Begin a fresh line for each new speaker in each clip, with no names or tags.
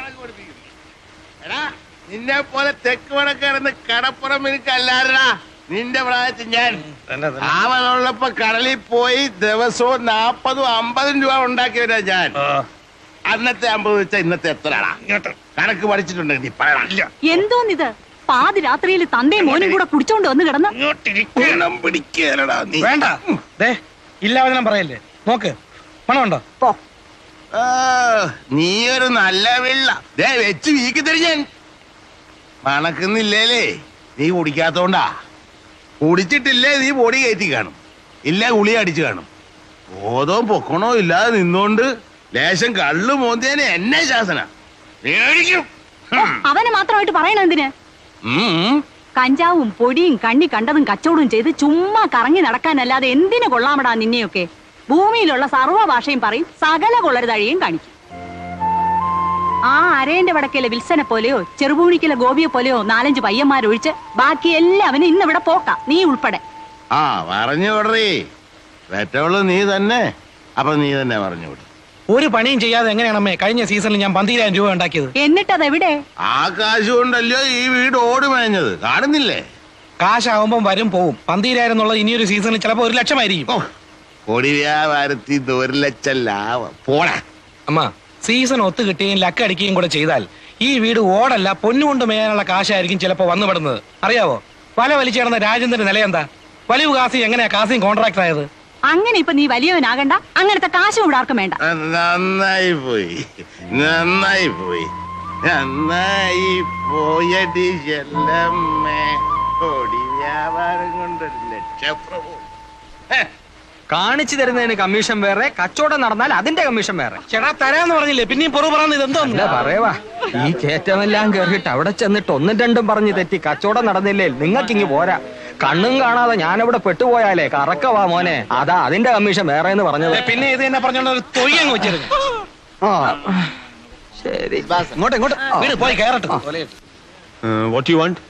എടാ നിന്നെ പോലെ തെക്ക് വടക്കിടന്ന് കടപ്പുറം എനിക്കല്ലാരടാ. നിന്റെ പ്രായത്തിൽ ഞാൻ അവനുള്ളപ്പോ കടലിൽ പോയി ദിവസവും 40-50 രൂപ ഉണ്ടാക്കിയവരാ ഞാൻ. അന്നത്തെ 50 വെച്ചാ ഇന്നത്തെ എത്രടാ? കണക്ക് പഠിച്ചിട്ടുണ്ടെങ്കിൽ നീ പറയണ.
എന്തോന്നിത് പാതിരാത്രിയിൽ തന്തയും മോനും കൂടെ കുടിച്ചോണ്ട് വന്ന് കിടന്ന്
പിടിക്കലടാ നീ.
വേണ്ട ഇല്ലാവചനം പറയല്ലേ. നോക്ക് പണമുണ്ടോ?
നീ ഒരു നല്ല വെള്ള വെച്ച് വീക്കി തരിഞ്ഞാൻ മണക്കുന്നില്ലേലേ. നീ കുടിക്കാത്തോണ്ടാ. കുടിച്ചിട്ടില്ലേ നീ പൊടി കയറ്റി കാണും, ഇല്ല ഗുളി അടിച്ചു കാണും. ബോധവും പൊക്കണോ ഇല്ലാതെ നിന്നോണ്ട് ലേശം കള്ളു മോന്തിയനെ എന്നെ ശാസന മേടിക്കും.
അവനെ മാത്രമായിട്ട് പറയണ എന്തിന്? കഞ്ചാവും പൊടിയും കണ്ണി കണ്ടതും കച്ചവടവും ചെയ്ത് ചുമ്മാ കറങ്ങി നടക്കാനല്ലാതെ എന്തിനു കൊള്ളാമടാ നിന്നെയൊക്കെ. ഭൂമിയിലുള്ള സർവ്വ ഭാഷയും പറയും, സകല കൊള്ളരുതഴിയും കാണിക്കും. ആ അരേന്റെ വടക്കേലെ വിൽസനെ പോലെയോ ചെറുപൂണിക്കലെ ഗോപിയെ പോലെയോ 4-5 പയ്യന്മാരൊഴിച്ച് ബാക്കി എല്ലാവനും ഇന്നിവിടെ പോക്കാം, നീ ഉൾപ്പെടെ.
ആ പറഞ്ഞു വിടറേ. പെറ്റവള് നീ തന്നെ. അപ്പൊ നീ തന്നെ പറഞ്ഞു വിടും.
ഒരു പണിയും ചെയ്യാതെ എങ്ങനെയാണമ്മേ കഴിഞ്ഞ സീസണിൽ ഞാൻ 12,000 രൂപ ഉണ്ടാക്കിയത്?
എന്നിട്ടതെവിടെ?
ആ കാശ് കൊണ്ടല്ലോ ഈ വീട് ഓടി മേഞ്ഞത്, കാണുന്നില്ലേ?
കാശാവുമ്പം വരും പോവും. 12,000 എന്നുള്ളത് ഇനിയൊരു സീസണിൽ ചിലപ്പോ 1 ലക്ഷമായിരിക്കും.
കൊടി വ്യാപാരത്തിൽ 1 ലക്ഷം ലാഭം പോടാ.
അമ്മ സീസൺ ഒത്തു കിട്ടുകയും ലക്ക് അടിക്കുകയും കൂടെ ചെയ്താൽ ഈ വീട് ഓടല്ല പൊന്നുകൊണ്ട് മേയാനുള്ള കാശായിരിക്കും ചിലപ്പോ വന്നുപെടുന്നത്. അറിയാവോ? വല വലിച്ചേർന്ന രാജേന്ദ്രന്റെ നില എന്താ? വലിയ കാസി എങ്ങനെയാ കാസിയും കോൺട്രാക്ടർ ആയത്?
അങ്ങനെ ഇപ്പൊ നീ വലിയവനാകണ്ട. അങ്ങനത്തെ കാശ് ഇവിടെ ആർക്കും വേണ്ട.
നന്നായി പോയി, നന്നായി പോയി, നന്നായി പോയടി ചെല്ലമ്മേ. കൊടി വ്യാപാരം കൊണ്ട് 1 ലക്ഷം പ്രഭു.
കാണിച്ചു തരുന്നതിന് കമ്മീഷൻ വേറെ, കച്ചവടം നടന്നാൽ അതിന്റെ കമ്മീഷൻ വേറെ.
ചേട്ടാ തരാന്ന് പറഞ്ഞില്ലേ, പിന്നെയും പുറു പറയുന്നത് ഇതെന്തോ
പറയവാ. ഈ കയറ്റമെല്ലാം കേറിയിട്ട് അവിടെ ചെന്നിട്ട് 1-2 പറഞ്ഞ് തെറ്റി കച്ചവടം നടന്നില്ലേ നിങ്ങൾക്കിങ്ങി പോരാ. കണ്ണും കാണാതെ ഞാനിവിടെ പെട്ടുപോയാലേ കറക്കവാ മോനെ. അതാ അതിന്റെ കമ്മീഷൻ വേറെ എന്ന് പറഞ്ഞത്.
പിന്നെ ഇത് തന്നെ പറഞ്ഞോണ്ട് ഒരു തൊയ്യങ്ങ് വെച്ചിരുന്നു.
ശരി ഇങ്ങോട്ട്
വീട് പോയി കയറട്ടെ.
What you want?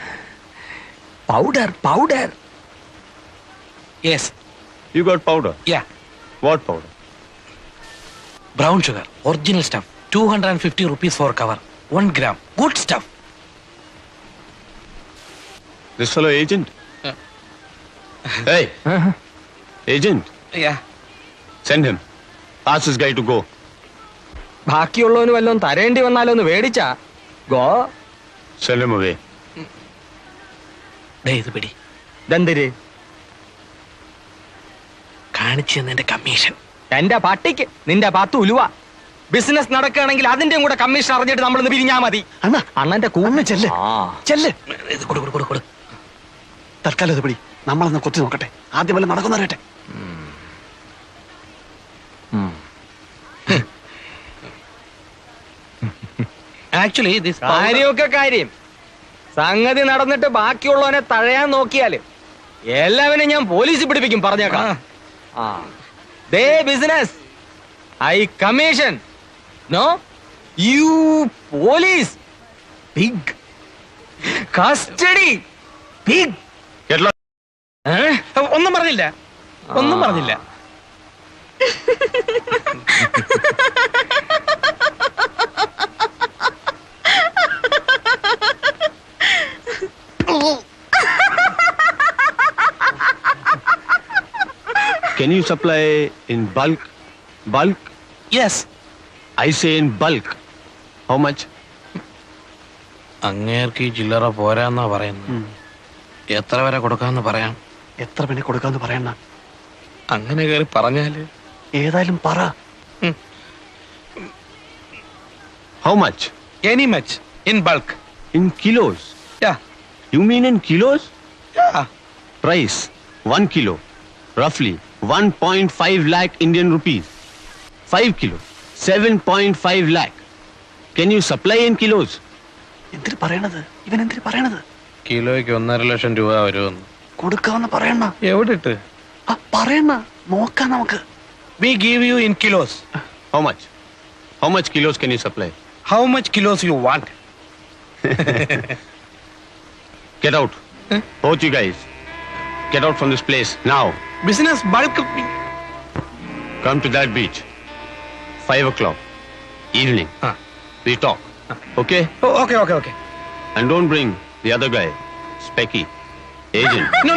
Powder.
Yes.
You got powder?
Yeah.
What powder?
Brown sugar. Original stuff. 250 rupees for cover. 1 gram. Good stuff.
This fellow agent? Hey! Agent?
Yeah.
Send him. Ask this guy to go.
ബാക്കിയുള്ളവന് വല്ലതും തരേണ്ടി വന്നാലോ ഒന്ന് മേടിച്ചാ go.
Send him away.
ഇത് പിടി.
ദന്തര്
കാണിച്ചു തന്നതിന്റെ commission.
എന്റെ പട്ടിക്ക് നിന്റെ 10 ഉലുവ. ബിസിനസ് നടക്കുകയാണെങ്കിൽ അതിന്റെയും കൂടെ കമ്മീഷൻ അറിഞ്ഞിട്ട് നമ്മളൊന്ന് പിരിഞ്ഞാ മതി. അണ്ണന്റെ കൂന്ന് ചെല്ല്.
ഇത് കൊടു.
തൽക്കാലം ഇത് പിടി. നമ്മളൊന്ന് കൊത്തി നോക്കട്ടെ. ആദ്യം വല്ല നടക്കുന്നറിയട്ടെ.
ആക്ച്വലി
കാര്യമൊക്കെ കാര്യം. സംഗതി നടന്നിട്ട് ബാക്കിയുള്ളവനെ തഴയാൻ നോക്കിയാല് എല്ലാവരും ഞാൻ പോലീസിൽ പിടിപ്പിക്കും പറഞ്ഞേക്കാം. ദേ business I commission. No you police big custody big.
ഒന്നും പറഞ്ഞില്ല.
Can you supply in bulk? Bulk?
Yes.
I say in bulk. How much?
അങ്ങേർക്ക് ചില്ലറ പോരാന്നാ പറയുന്നത്. എത്ര വരെ കൊടുക്കാന്ന് പറയാം.
എത്ര പിന്നെ കൊടുക്കാന്ന് പറയണ?
അങ്ങനെ കയറി പറഞ്ഞാല്
ഏതായാലും പറ.
How much?
Any much. In bulk.
In kilos?
Yeah.
You mean in kilos?
Yeah.
Price 1 kilo. Roughly 1.5 lakh Indian rupees. 5 kilo. 7.5 lakh. Can you supply in kilos?
എന്തിനു പറയണത്? ഇവൻ എന്തിനു പറയണത്?
കിലോയ്ക്ക് 1.5 ലക്ഷം രൂപ വരുമെന്ന്.
കൊടുക്കാന്ന് പറയണ.
എവിടെ ഇട്ട്
പറയണ നോക്കാം നമുക്ക്.
We give you in kilos.
How much? How much kilos can you supply?
How much kilos you want?
Get out. Both you guys. Get out from this place now.
Business bulk.
Come to that beach. 5 o'clock. Evening. We talk. Okay?
Okay okay okay.
And don't bring the other guy, Specky, agent.
No.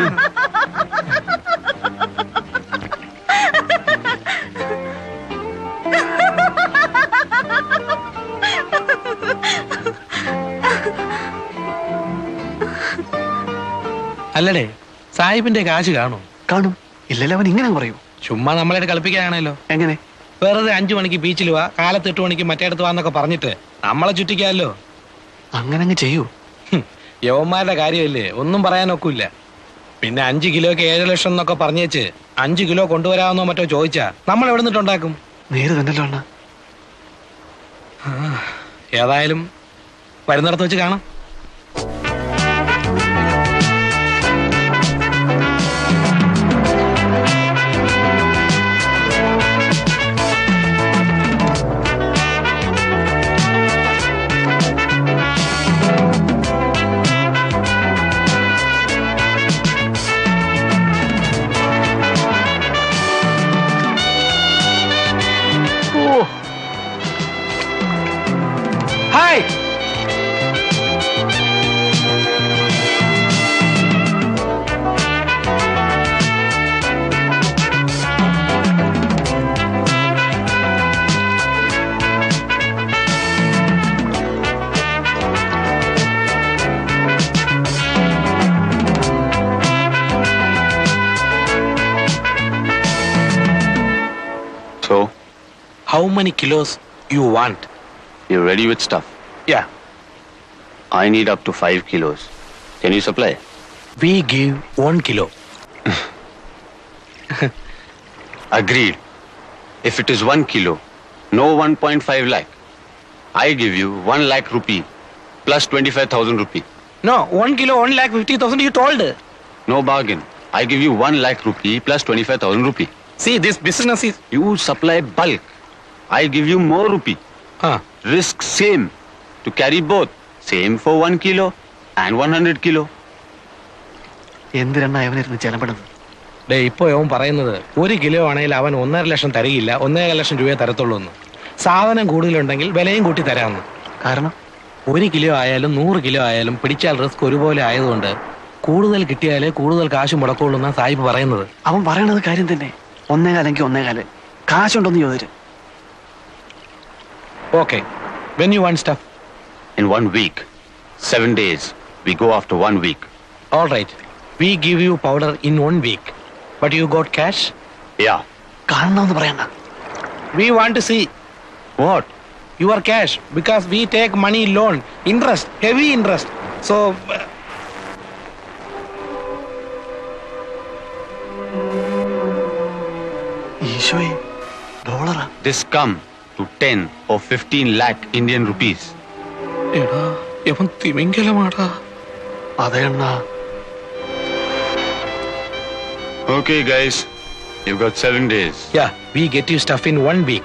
അല്ലടേ, സാഹിബിന്റെ കാശ് കാണും.
കാണും. ഇല്ലല്ലോ, അവൻ ഇങ്ങനെ പറയൂ.
ചുമ്മാ നമ്മളെ കളിപ്പിക്കാനാണല്ലോ.
എങ്ങനെ?
വെറുതെ 5 മണിക്ക് ബീച്ചിൽ വാ, കാലത്ത് 8 മണിക്ക് മറ്റേടത്ത് വാന്നൊക്കെ പറഞ്ഞിട്ട് നമ്മളെ ചുറ്റിക്കാമല്ലോ.
അങ്ങനെ അങ്ങ് ചെയ്യൂ.
യവന്മാരുടെ കാര്യമല്ലേ, ഒന്നും പറയാനൊക്കില്ല. പിന്നെ 5 കിലോയ്ക്ക് 7 ലക്ഷം എന്നൊക്കെ പറഞ്ഞേച്ച് 5 കിലോ കൊണ്ടുവരാമെന്നോ മറ്റോ ചോദിച്ചാ നമ്മൾ എവിടെ നിന്നിട്ടുണ്ടാക്കും?
നേര് തന്നെയല്ലോ അണ്ണ.
ഏതായാലും വരുന്നിടത്ത് വെച്ച് കാണാം. Hi.
So,
How many kilos you want?
you're ready with stuff?
Yeah.
I need up to 5 kilos. Can you supply?
We give 1 kilo.
Agreed. If it is 1 kilo, no 1.5 lakh. I give you 1 lakh rupee plus 25,000 rupee.
No, 1 kilo 1,50,000 you told.
No bargain. I give you 1 lakh rupee plus 25,000 rupee.
See, this business is...
You supply bulk. I give you more rupee. Risk same. To carry both. Same for 1 kilo and 100 kilo.
എന്തിനാ അവനിരുന്ന് ചെലപ്പെടുന്നത്?
Day, ഇപ്പൊ അവൻ പറയുന്നത് 1 kilo ആണെങ്കിൽ അവൻ 1.5 ലക്ഷം തരികയില്ല, 1.5 ലക്ഷം രൂപയെ തരത്തുള്ളൂ എന്ന്. സാധനം കൂടുതലുണ്ടെങ്കിൽ വിലയും കൂട്ടി തരാമെന്ന്.
കാരണം
1 കിലോ ആയാലും 100 കിലോ ആയാലും പിടിച്ചാൽ റിസ്ക് ഒരുപോലെ ആയതുകൊണ്ട് കൂടുതൽ കിട്ടിയാലേ കൂടുതൽ കാശ് മുടക്കുള്ളൂ എന്നാ സാഹിബ് പറയുന്നത്.
അവൻ പറയണത് കാര്യം തന്നെ. 1.5 1.5 കാശുണ്ടോന്ന് ചോദിച്ചു.
Okay. When you want stuff?
In 1 week. 7 days. We go after 1 week.
All right. We give you powder in 1 week. But you got cash?
Yeah.
കാണണമെന്ന് പറയണ്ട.
We want to see
What?
your cash because we take money loan. Interest. Heavy interest. So...
ഈശോയെ, ഡോളറാ?
This come to 10 or 15 lakh Indian rupees.
എടാ, ഇവൻ തിമിംഗലമാടാ.
അതെ അണ്ണാ.
Okay, guys. You've got 7 days.
Yeah, we get you stuff in 1 week.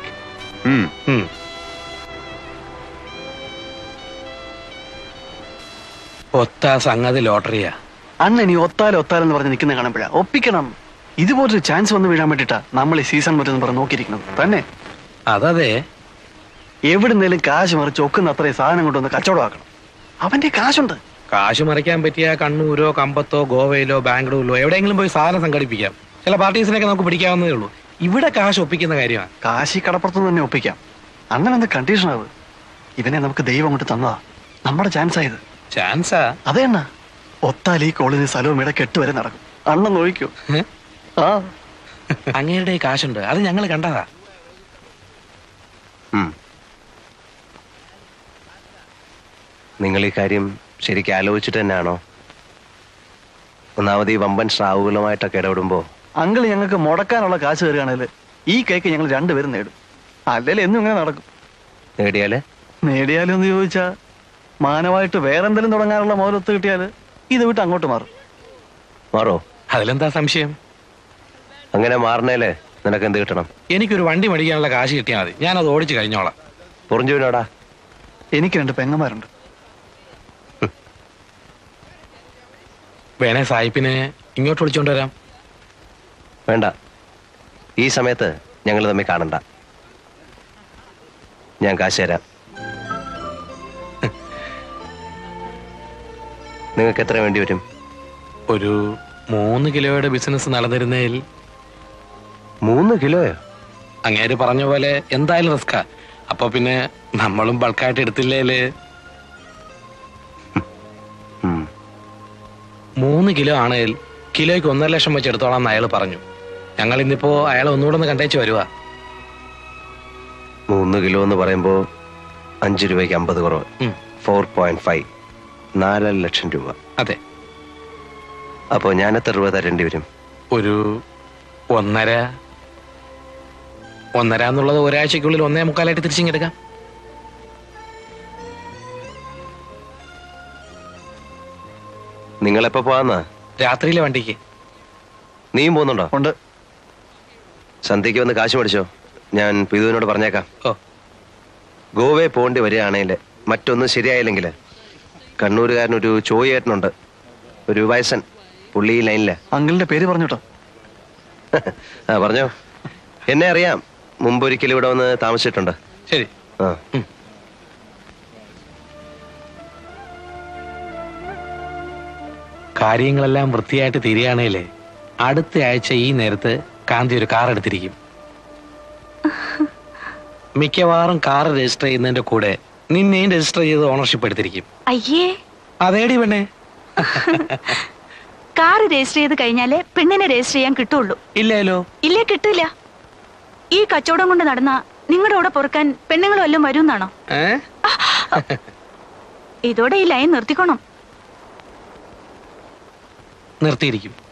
ഒത്ത സംഗതി ലോട്ടറിയാ.
അണ്ണൻ ഈ ഒത്താലെന്ന് പറഞ്ഞ് നിൽക്കുന്ന കാണുമ്പോഴാ ഒപ്പിക്കണം. ഇതുപോലൊരു ചാൻസ് വന്ന് വീഴാൻ വേണ്ടിട്ടാ നമ്മൾ ഈ സീസൺ മറ്റെന്ന് പറഞ്ഞ് നോക്കിയിരിക്കുന്നത് തന്നെ.
അതതെ.
എവിടുന്നേലും കാശ് മറിച്ച് ഒക്കുന്ന അത്രയും സാധനം കൊണ്ടുവന്ന് കച്ചവടമാക്കണം. അവന്റെ കാശുണ്ട്.
കാശ് മറിക്കാൻ പറ്റിയ കണ്ണൂരോ കമ്പത്തോ ഗോവയിലോ ബാംഗ്ലൂരിലോ എവിടെയെങ്കിലും പോയി സാധനം സംഘടിപ്പിക്കാം. ചില പാർട്ടീസിനൊക്കെ നമുക്ക് പിടിക്കാവുന്നതേ ഉള്ളൂ. ഇവിടെ കാശ് ഒപ്പിക്കുന്ന കാര്യമാണ്.
കാശി കടപ്പുറത്തുനിന്ന് തന്നെ ഒപ്പിക്കാം. അണ്ണനെന്ത് കണ്ടീഷനാവ്? ഇവനെ നമുക്ക് ദൈവം കൊണ്ട് തന്നതാ. നമ്മുടെ ചാൻസ് ആയത്.
ചാൻസാ?
അതെ അണ്ണ. ഒത്താൽ ഈ കോളിന് സ്ഥലവും ഇടയ്ക്ക് 8 വരെ നടക്കും. അണ്ണൻ നോക്കൂ. ആ,
അങ്ങയുടെ കാശുണ്ട്, അത് ഞങ്ങൾ കണ്ടതാ.
നിങ്ങൾ ഈ കാര്യം ശരിക്കും ആലോചിച്ചിട്ട് തന്നെയാണോ? ഒന്നാമത് ഈ വമ്പൻ സ്രാവുകളുമായിട്ടൊക്കെ ഇടപെടുമ്പോ
അങ്കിൾ ഞങ്ങൾക്ക് മുടക്കാനുള്ള കാശ് തരികയാണെങ്കിൽ ഈ കേക്ക് ഞങ്ങൾ 2 പേരും നേടും. അല്ലെങ്കിൽ എന്നും ഇങ്ങനെ നടക്കും. നേടിയാലും എന്ന് ചോദിച്ചാ മാനമായിട്ട് വേറെന്തെങ്കിലും തുടങ്ങാനുള്ള മോലൊത്ത് കിട്ടിയാല് ഇത് വിട്ട് അങ്ങോട്ട്
മാറോ?
അതിലെന്താ സംശയം?
അങ്ങനെ മാറണേലേ നിനക്ക് എന്ത് കിട്ടണം?
എനിക്കൊരു വണ്ടി മേടിക്കാനുള്ള കാശ് കിട്ടിയാൽ മതി. ഞാനത് ഓടിച്ച് കഴിഞ്ഞോളാം.
പൊറിഞ്ചുവിനോടാ?
എനിക്ക് 2 പെങ്ങന്മാരുണ്ട്.
വേണേ സായിപ്പിനെ ഇങ്ങോട്ട് വിളിച്ചോണ്ട് വരാം.
വേണ്ട, ഈ സമയത്ത് ഞങ്ങൾ തമ്മിൽ കാണണ്ട. ഞാൻ കാശ് തരാം. നിങ്ങൾക്ക് എത്ര വേണ്ടി വരും?
ഒരു 3 കിലോയുടെ ബിസിനസ് നടന്നിരുന്നതിൽ.
3 കിലോയോ?
അങ്ങേര് പറഞ്ഞ പോലെ എന്തായാലും റിസ്കാ. അപ്പൊ പിന്നെ നമ്മളും ബൾക്കായിട്ട് എടുത്തില്ലേല്. 3 കിലോ ആണെങ്കിൽ കിലോയ്ക്ക് 1.5 ലക്ഷം വെച്ച് എടുത്തോളാം അയാൾ പറഞ്ഞു. ഞങ്ങൾ ഇന്നിപ്പോ അയാളെ ഒന്നുകൂടെ ഒന്ന് കണ്ടേച്ച് വരുവാ.
3 കിലോ എന്ന് പറയുമ്പോ 5 രൂപയ്ക്ക് 50 കുറവ്. 4.5 4 ലക്ഷം രൂപ.
അതെ.
അപ്പോ ഞാൻ എത്ര രൂപ തരേണ്ടി വരും?
ഒരു 1.5 എന്നുള്ളത് ഒരാഴ്ചക്കുള്ളിൽ 1.25 തിരിച്ചിങ്ങെടുക്കാം.
നിങ്ങളെപ്പോ പോവാന്നാ?
രാത്രിയിലെ വണ്ടിക്ക്.
നീയും പോകുന്നുണ്ടോ?
ഉണ്ട്.
സന്ധ്യക്ക് വന്ന് കാശ് മേടിച്ചോ, ഞാൻ പിതുവിനോട് പറഞ്ഞേക്കാം.
ഓ,
ഗോവയെ പോകേണ്ടി വരികയാണെങ്കിൽ മറ്റൊന്നും ശരിയായില്ലെങ്കിൽ കണ്ണൂരുകാരനൊരു ചോയേട്ടനുണ്ട്, ഒരു വയസ്സൻ, പുള്ളി ലൈനില്.
അങ്കിളിന്റെ പേര് പറഞ്ഞോട്ടോ.
ആ പറഞ്ഞോ. എന്നെ അറിയാം, മുമ്പൊരിക്കലും ഇവിടെ വന്ന് താമസിച്ചിട്ടുണ്ട്.
ശരി.
ആ
കാര്യങ്ങളെല്ലാം വൃത്തിയായിട്ട് തീരുകയാണേലേ അടുത്ത ആഴ്ച ഈ നേരത്ത് കാന്തി ഒരു കാർ എടുത്തിരിക്കും. മിക്കവാറും കാർ രജിസ്റ്റർ ചെയ്യുന്നതിന്റെ കൂടെ നിന്നെയും രജിസ്റ്റർ ചെയ്ത് ഓണർഷിപ്പ് എടുത്തിരിക്കും.
അയ്യേ,
അതേടി പെണ്ണേ.
കാർ രജിസ്റ്റർ ചെയ്ത് കഴിഞ്ഞാലേ പെണ്ണിനെ രജിസ്റ്റർ ചെയ്യാൻ കിട്ടുള്ളൂ.
ഇല്ലല്ലോ.
ഇല്ലേ, കിട്ടില്ല. ഈ കച്ചവടം കൊണ്ട് നടന്ന നിങ്ങളുടെ കൂടെ പൊറുക്കാൻ പെണ്ണുങ്ങൾ വല്ലതും വരുമെന്നാണോ? ഇതോടെ ഈ ലൈൻ നിർത്തിക്കോണം.
നിർത്തിയിരിക്കും.